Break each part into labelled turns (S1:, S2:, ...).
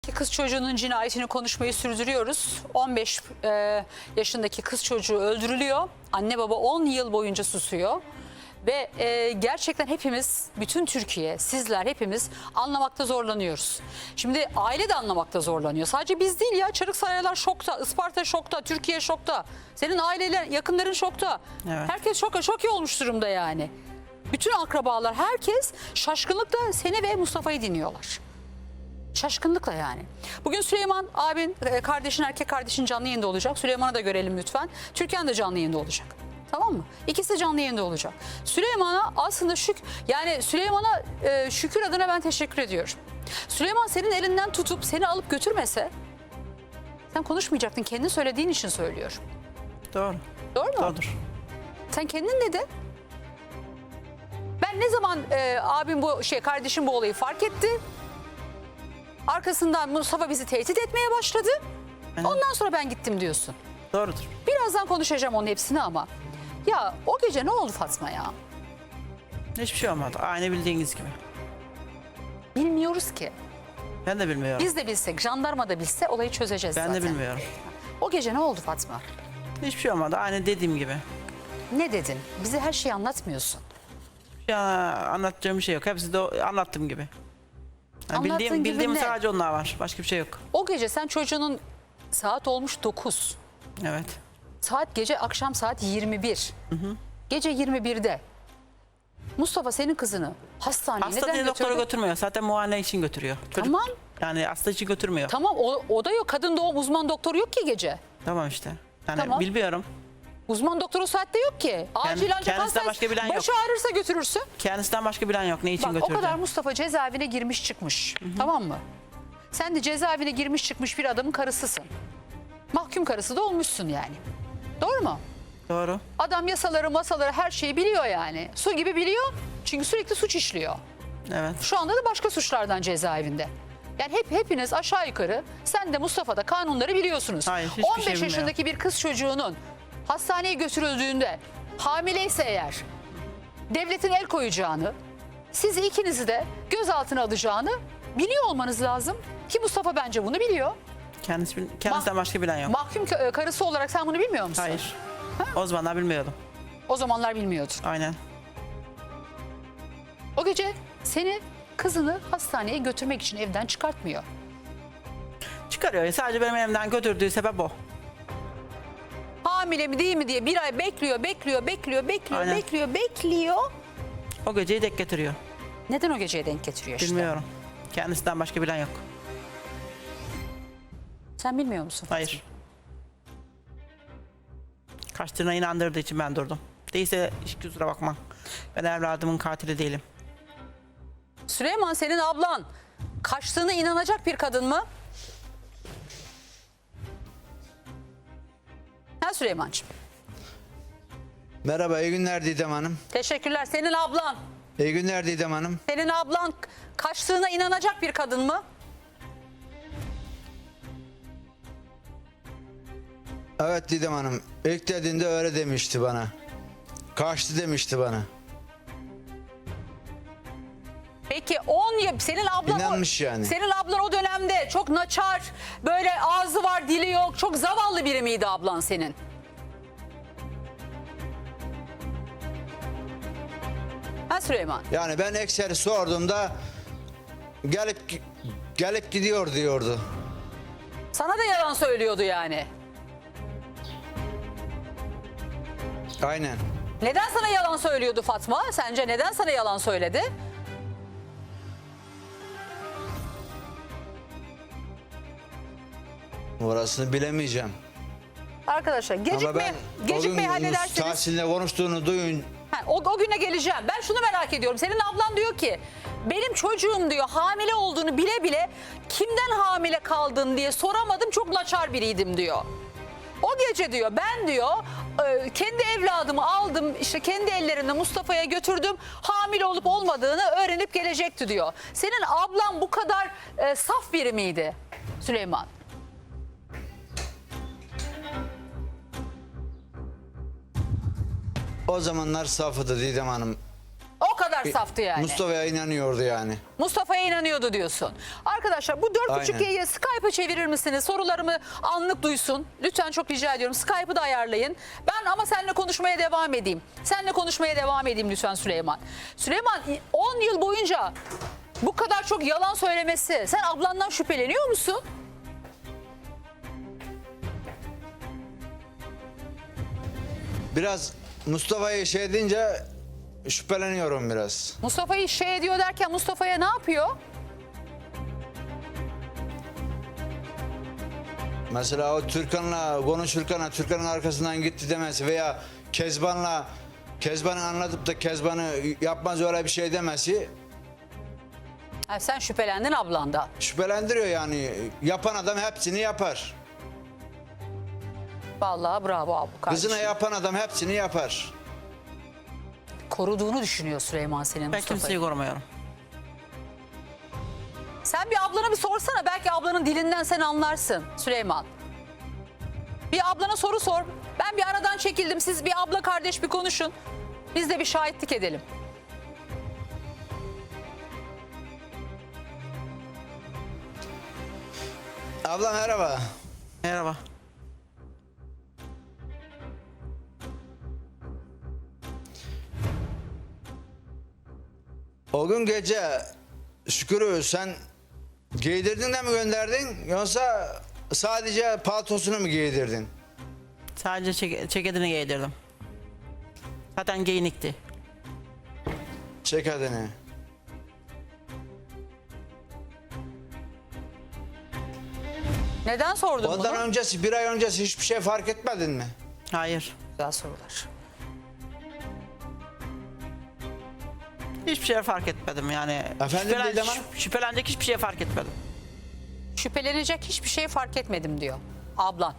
S1: Kız çocuğunun cinayetini konuşmayı sürdürüyoruz. 15 yaşındaki kız çocuğu öldürülüyor. Anne baba 10 yıl boyunca susuyor. Ve gerçekten hepimiz, bütün Türkiye, sizler hepimiz anlamakta zorlanıyoruz. Şimdi aile de anlamakta zorlanıyor. Sadece biz değil ya, Çarıksaraylar şokta, Isparta şokta, Türkiye şokta. Senin aileler, yakınların şokta.
S2: Evet.
S1: Herkes şok olmuş durumda yani. Bütün akrabalar, herkes şaşkınlıkla seni ve Mustafa'yı dinliyorlar. Şaşkınlıkla yani. Bugün Süleyman abin, kardeşin, erkek kardeşin canlı yayında olacak. Süleyman'ı da görelim lütfen. Türkan da canlı yayında olacak. Tamam mı? İkisi de canlı yayında olacak. Süleyman'a aslında Süleyman'a şükür adına ben teşekkür ediyorum. Süleyman senin elinden tutup seni alıp götürmese sen konuşmayacaktın. Kendi söylediğin için söylüyorum.
S2: Doğru.
S1: Doğru mu?
S2: Doğrudur.
S1: Sen kendin dedin. Ben ne zaman abim kardeşim bu olayı fark etti. Arkasından Mustafa bizi tehdit etmeye başladı.
S2: Evet.
S1: Ondan sonra ben gittim diyorsun.
S2: Doğrudur.
S1: Birazdan konuşacağım onun hepsini ama. Ya o gece ne oldu Fatma ya?
S2: Hiçbir şey olmadı. Aynı bildiğiniz gibi.
S1: Bilmiyoruz ki.
S2: Ben de bilmiyorum.
S1: Biz de bilsek, jandarma da bilse olayı çözeceğiz
S2: Ben
S1: zaten.
S2: de bilmiyorum.
S1: O gece ne oldu Fatma?
S2: Hiçbir şey olmadı. Aynı dediğim gibi.
S1: Ne dedin? Bize her şeyi anlatmıyorsun.
S2: Ya anlatacağım bir şey yok. Hepsi de anlattığım gibi. Yani
S1: Anlattığın gibi
S2: bildiğim
S1: ne?
S2: sadece onlar var. Başka bir şey yok.
S1: O gece sen çocuğunun saat olmuş 9.
S2: Evet.
S1: Akşam saat 21. Gece 21'de Mustafa senin kızını hastaneye
S2: Hasta
S1: neden
S2: diye doktora
S1: götürdü?
S2: götürmüyor. Zaten muayene için götürüyor. Çocuk,
S1: Tamam.
S2: yani hasta için götürmüyor.
S1: Tamam o da yok. Kadın doğum uzman doktoru yok ki gece.
S2: Tamam işte. Yani
S1: Tamam.
S2: bilmiyorum.
S1: Uzman doktor o saatte yok ki. Acil ancak
S2: kendisinden başka bilen yok.
S1: başı ağrırsa götürürsün.
S2: Kendisinden başka bilen yok. Ne için
S1: Bak
S2: götürdü?
S1: o kadar Mustafa cezaevine girmiş çıkmış. Tamam mı? Sen de cezaevine girmiş çıkmış bir adamın karısısın. Mahkum karısı da olmuşsun yani. Doğru mu?
S2: Doğru.
S1: Adam masaları her şeyi biliyor yani. Su gibi biliyor. Çünkü sürekli suç işliyor.
S2: Evet.
S1: Şu anda da başka suçlardan cezaevinde. Yani hepiniz aşağı yukarı, sen de Mustafa da kanunları biliyorsunuz.
S2: Hayır, hiçbir
S1: 15
S2: şey bilmiyorum.
S1: yaşındaki bir kız çocuğunun hastaneye götürüldüğünde hamileyse eğer devletin el koyacağını, sizi ikinizi de gözaltına alacağını biliyor olmanız lazım. Ki Mustafa bence bunu biliyor.
S2: Kendisinden başka bilen yok.
S1: Mahkum karısı olarak sen bunu bilmiyor musun?
S2: Hayır. O zamanlar bilmiyordum.
S1: O zamanlar bilmiyordun.
S2: Aynen.
S1: O gece seni, kızını hastaneye götürmek için evden çıkartmıyor.
S2: Çıkarıyor. Sadece benim elimden götürdüğü sebep o.
S1: Hamile mi değil mi diye bir ay bekliyor.
S2: Aynen.
S1: Bekliyor.
S2: O geceyi denk getiriyor.
S1: Neden o geceye denk getiriyor işte?
S2: Bilmiyorum. Kendisinden başka bilen yok.
S1: Sen bilmiyor musun?
S2: Hayır. Kaçtığına inandırdığı için ben durdum. Değilse hiç kusura bakma. Ben evladımın katili değilim.
S1: Süleyman senin ablan kaçtığına inanacak bir kadın mı? Ha Süleymancığım.
S3: Merhaba, iyi günler Didem Hanım.
S1: Teşekkürler. Senin ablan.
S3: İyi günler Didem Hanım.
S1: Senin ablan kaçtığına inanacak bir kadın mı?
S3: Evet Didem Hanım, ilk dediğinde öyle demişti bana. Kaçtı demişti bana.
S1: Peki senin ablan
S3: İnanmış yani.
S1: Senin ablan o dönemde çok naçar, böyle ağzı var, dili yok, çok zavallı biri miydi ablan senin? Ha Süleyman.
S3: Yani ben ekseri sorduğumda gelip gidiyor diyordu.
S1: Sana da yalan söylüyordu yani.
S3: Aynen.
S1: Neden sana yalan söylüyordu Fatma? Sence neden sana yalan söyledi?
S3: Orasını bilemeyeceğim.
S1: Arkadaşlar
S3: Ama ben
S1: gecikmeyi
S3: o gün
S1: halledersiniz.
S3: Tahsin'le konuştuğunu duyun.
S1: O güne geleceğim. Ben şunu merak ediyorum. Senin ablan diyor ki benim çocuğum diyor hamile olduğunu bile bile kimden hamile kaldın diye soramadım, çok naçar biriydim diyor. O gece diyor ben diyor kendi evladımı aldım, işte kendi ellerimle Mustafa'ya götürdüm, hamile olup olmadığını öğrenip gelecekti diyor. Senin ablan bu kadar saf biri miydi Süleyman?
S3: O zamanlar safıdı Didem Hanım.
S1: O kadar kadar saftı yani.
S3: Mustafa'ya inanıyordu yani.
S1: Mustafa'ya inanıyordu diyorsun. Arkadaşlar bu 4.5G'yi
S3: Aynen.
S1: Skype'a çevirir misiniz? Sorularımı anlık duysun. Lütfen çok rica ediyorum. Skype'ı da ayarlayın. Ben ama seninle konuşmaya devam edeyim. Seninle konuşmaya devam edeyim lütfen Süleyman. Süleyman 10 yıl boyunca bu kadar çok yalan söylemesi. Sen ablandan şüpheleniyor musun?
S3: Biraz Mustafa'yı şey deyince şüpheleniyorum biraz.
S1: Mustafa'yı şey ediyor derken Mustafa'ya ne yapıyor?
S3: Mesela o Türkan'la konuşurken Türkan'ın arkasından gitti demesi veya Kezban'ı anlatıp da Kezban'ı yapmaz öyle bir şey demesi
S1: Ha, sen şüphelendin ablandan.
S3: şüphelendiriyor yani. Yapan adam hepsini yapar.
S1: Vallahi bravo abi kardeşim.
S3: Kızına yapan adam hepsini yapar.
S1: Koruduğunu düşünüyor Süleyman senin
S2: Ben
S1: Mustafa'yı.
S2: kimseyi korumuyorum.
S1: Sen bir ablana bir sorsana. Belki ablanın dilinden sen anlarsın Süleyman. Bir ablana soru sor. Ben bir aradan çekildim. Siz bir abla kardeş bir konuşun. Biz de bir şahitlik edelim.
S3: Abla merhaba.
S2: Merhaba.
S3: O gün gece Şükür'ü sen giydirdin de mi gönderdin yoksa sadece paltosunu mu giydirdin?
S2: Sadece ceketini giydirdim. Zaten giyinikti.
S3: Çek adını.
S1: Neden sordun
S3: Ondan
S1: bunu?
S3: öncesi, bir ay öncesi hiçbir şey fark etmedin mi?
S2: Hayır.
S1: Güzel sorular.
S2: Hiçbir şey fark etmedim yani.
S3: Efendim Didem Hanım?
S2: Şüphelenecek hiçbir şey fark etmedim.
S1: Şüphelenecek hiçbir şey fark etmedim diyor ablan.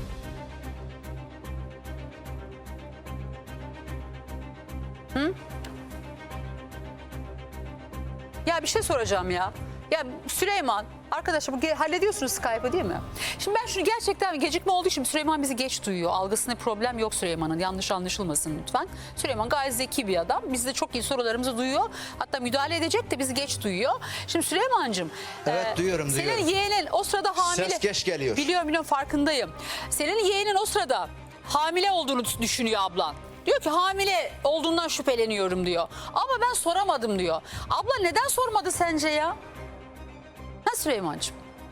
S1: Ya bir şey soracağım ya. Ya Süleyman, arkadaşlar bu hallediyorsunuz Skype'ı değil mi? Şimdi ben şunu gerçekten gecikme olduğu için Süleyman bizi geç duyuyor. Algısında problem yok Süleyman'ın. Yanlış anlaşılmasın lütfen. Süleyman gayet zeki bir adam. Biz de çok iyi sorularımızı duyuyor. Hatta müdahale edecek de bizi geç duyuyor. Şimdi Süleyman'cığım.
S3: Evet, duyuyorum,
S1: Senin
S3: duyuyorum.
S1: yeğenin o sırada hamile.
S3: Ses geç geliyor.
S1: Biliyorum farkındayım. Senin yeğenin o sırada hamile olduğunu düşünüyor ablan. Diyor ki hamile olduğundan şüpheleniyorum diyor. Ama ben soramadım diyor. Abla neden sormadı sence ya? Ha Süleyman'cığım?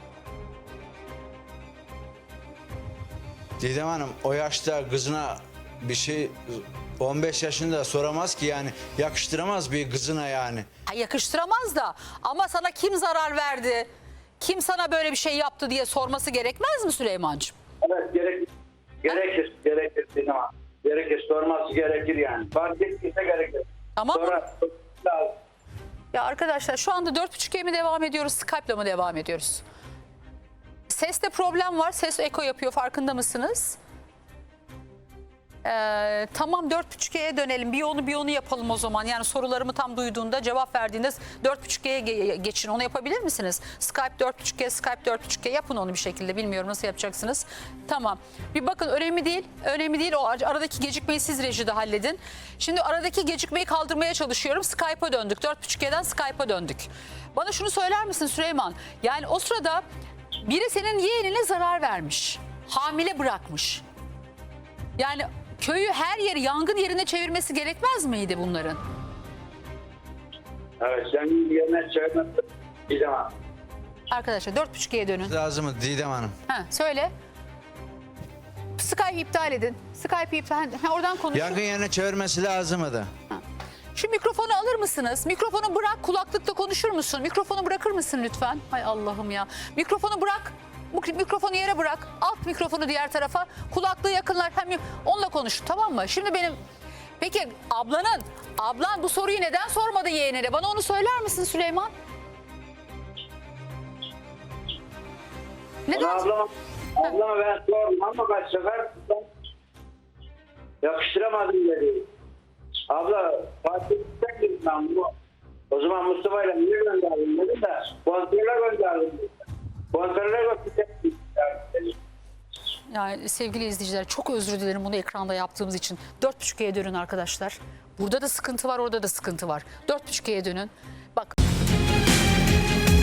S3: Didem Hanım o yaşta kızına bir şey 15 yaşında soramaz ki yani yakıştıramaz bir kızına yani.
S1: Ha, yakıştıramaz da ama sana kim zarar verdi? Kim sana böyle bir şey yaptı diye sorması gerekmez mi Süleyman'cığım?
S4: Evet gerekir ama gerekir sorması gerekir yani. Fark ettiyse gerekir.
S1: Ama
S4: Sonra lazım.
S1: ya arkadaşlar şu anda 4.5G mi devam ediyoruz, Skype'la mı devam ediyoruz? Seste problem var. Ses eko yapıyor, farkında mısınız? Tamam 4.5G'ye dönelim. Bir onu yapalım o zaman. Yani sorularımı tam duyduğunda, cevap verdiğinde 4.5G'ye geçin. Onu yapabilir misiniz? Skype 4.5G, Skype 4.5G yapın onu bir şekilde. Bilmiyorum nasıl yapacaksınız. Tamam. Bir bakın önemli değil. Önemli değil. O aradaki gecikmeyi siz rejide halledin. Şimdi aradaki gecikmeyi kaldırmaya çalışıyorum. Skype'a döndük. 4.5G'den Skype'a döndük. Bana şunu söyler misin Süleyman? Yani o sırada biri senin yeğenine zarar vermiş. Hamile bırakmış. Yani köyü her yeri yangın yerine çevirmesi gerekmez miydi bunların?
S4: Evet senin yerine çevirmesi bir zaman.
S1: Arkadaşlar 4.5G'ye dönün.
S3: Lazım mı Didem Hanım?
S1: Ha, söyle. Skype'ı iptal edin. Skype'ı iptal edin. Ha, oradan konuşun.
S3: Yakın yerine çevirmesi lazım mıydı?
S1: Şu mikrofonu alır mısınız? Mikrofonu bırak, kulaklıkla konuşur musun? Mikrofonu bırakır mısın lütfen? Hay Allah'ım ya. Mikrofonu bırak. Bu mikrofonu yere bırak. Alt mikrofonu diğer tarafa. Kulaklığı yakınlar. Hem onunla konuş, tamam mı? Şimdi peki ablan bu soruyu neden sormadı yeğenine? Bana onu söyler misin Süleyman? Neden?
S4: Ablama ben sordum ama kaç sefer yakıştıramadım dedi. Abla fark ettim ben bunu. O zaman Mustafa'yla niye gönderdim dedim de kontrole gönderdim dedi. Kontrole gönderdim.
S1: Yani sevgili izleyiciler çok özür dilerim bunu ekranda yaptığımız için. 4.5G'ye dönün arkadaşlar. Burada da sıkıntı var, orada da sıkıntı var. 4.5'e dönün. Bak